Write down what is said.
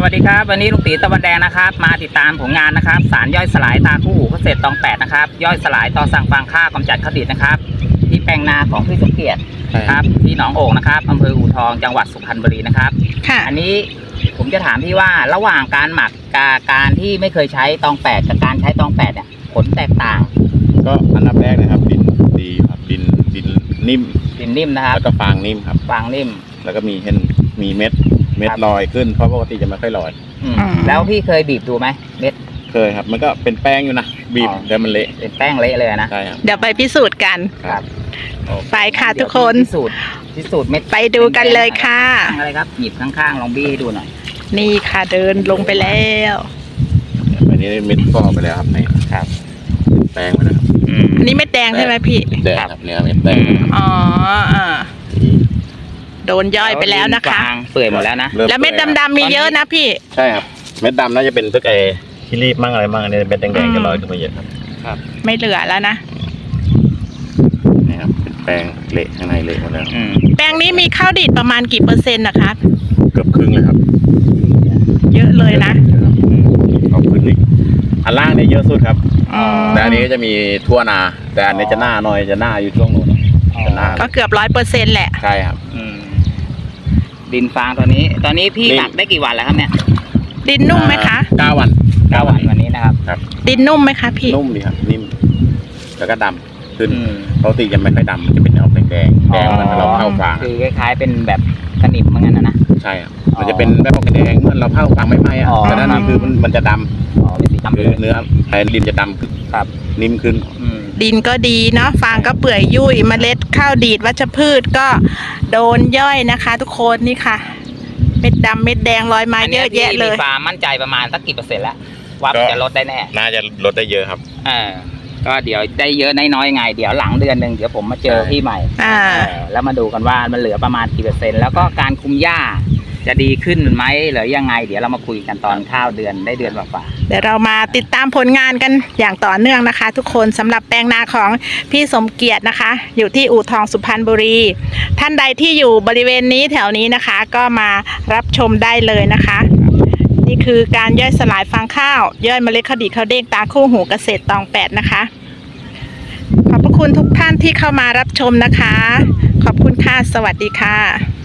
วัสดีครับวันนี้ลุงตีตะวันแดงนะครับมาติดตามผลงานนะครับสารย่อยสลายตาคู่หูเกษตรตอง8นะครับย่อยสลายต่อสั่งฟางข้าวกำจัดข้าวดิบนะครับที่แปลงนาของพี่สมเกียรติครับที่หนองโอ่งนะครับอำเภออู่ทองจังหวัดสุพรรณบุรีนะครับค่ะอันนี้ผมจะถามพี่ว่าระหว่างการหมักกับการที่ไม่เคยใช้ตอง8กับการใช้ตอง8เนี่ยผลแตกต่างก็อันดับแรกนะครับดินดีครับดินนิ่มนะครับแล้วก็ฟางนิ่มครับฟางนิ่มแล้วก็มีเม็ดลอยขึ้นเพราะปกติจะไม่ค่อยลอยแล้วพี่เคยบีบดูไหมเม็ดเคยครับมันก็เป็นแป้งอยู่นะบีบแล้วมันเละเป็นแป้งเละเลยนะใช่ครับเดี๋ยวไปพิสูจน์กันครับไปค่ะทุกคนพิสูจน์เม็ดไปดูกันเลยค่ะอะไรครับหยิบข้างๆลองบี้ให้ดูหน่อยนี่ค่ะเดินลงไปแล้วอันนี้เม็ดฟอกไปแล้วครับนี่ครับแป้งไปแล้วครับอันนี้เม็ดแดงใช่ไหมพี่แดงครับเนี่ยเม็ดแดงอ๋อโดนย่อยไปแล้วนะคะเปื่อยหมดแล้วนะแล้วเม็ดดำๆมีเยอะนะพี่ใช่ครับเม็ดดำน่าจะเป็นพวกขี้รีบมั่งอะไรมั่งอันนี้เม็ดแดงๆจะลอยขึ้นมาเยอะครับไม่เหลือแล้วนะนี่ครับเป็นแป้งเละข้างในเละหมดแล้วแป้งนี้มีข้าวดีดประมาณกี่เปอร์เซ็นต์นะคะเกือบครึ่งเลยครับเยอะเลยนะเอาขึ้นอีกอันล่างเนี่ยเยอะสุดครับแต่อันนี้ก็จะมีทั่วนาแต่อันนี้จะหน้าหน่อยจะหน้าอยู่ช่วงโน้นจะหน้าก็เกือบ100%แหละใช่ครับดินฟางตอนนี้พี่หมักได้กี่วันแล้วครับเนี่ยดินนุ่มไหมคะ 9 วันวันนี้นะครับดินนุ่มไหมคะพี่นุ่มดีครับนิ่มแล้วก็ดำขึ้นปกติจะไม่ค่อยดำมันจะเป็นออกแดงเหมือนเราเผาฟางคือคล้ายๆเป็นแบบกระหนิบเหมือนกันนะใช่ครับมันจะเป็นแบบออกแดงเหมือนเราเผาฟางไม่ไหม้อะแต่ด้านนี้คือมันจะดำเป็นสีดำคือเนื้อไอ้ดินจะดำขึ้นครับนิ่มขึ้นดินก็ดีเนาะฟางก็เปื่อยยุ่ยเมล็ดข้าวดีดวัชพืชก็โดนย่อยนะคะทุกคนนี่ค่ะเม็ดดำเม็ดแดงลอยมาเยอะแยะเลยมีความมั่นใจประมาณสักกี่เปอร์เซ็นต์แล้วว่าจะลดได้แน่น่าจะลดได้เยอะครับก็เดี๋ยวได้เยอะน้อยไงเดี๋ยวหลังเดือนหนึ่งเดี๋ยวผมมาเจอพี่ใหม่แล้วมาดูกันว่ามันเหลือประมาณกี่เปอร์เซ็นต์แล้วก็การคุมหญ้าจะดีขึ้นไหมหรือยังไงเดี๋ยวเรามาคุยกันตอนข้าวเดือนได้เดือนกว่าเดี๋ยวเรามาติดตามผลงานกันอย่างต่อเนื่องนะคะทุกคนสำหรับแปลงนาของพี่สมเกียรตินะคะอยู่ที่อู่ทองสุพรรณบุรีท่านใดที่อยู่บริเวณนี้แถวนี้นะคะก็มารับชมได้เลยนะคะนี่คือการย่อยสลายฟางข้าวย่อยเมล็ดข้าวดีข้าวเด้งตาคู่หูเกษตรตอง8นะคะขอบพระคุณทุกท่านที่เข้ามารับชมนะคะขอบคุณค่ะสวัสดีค่ะ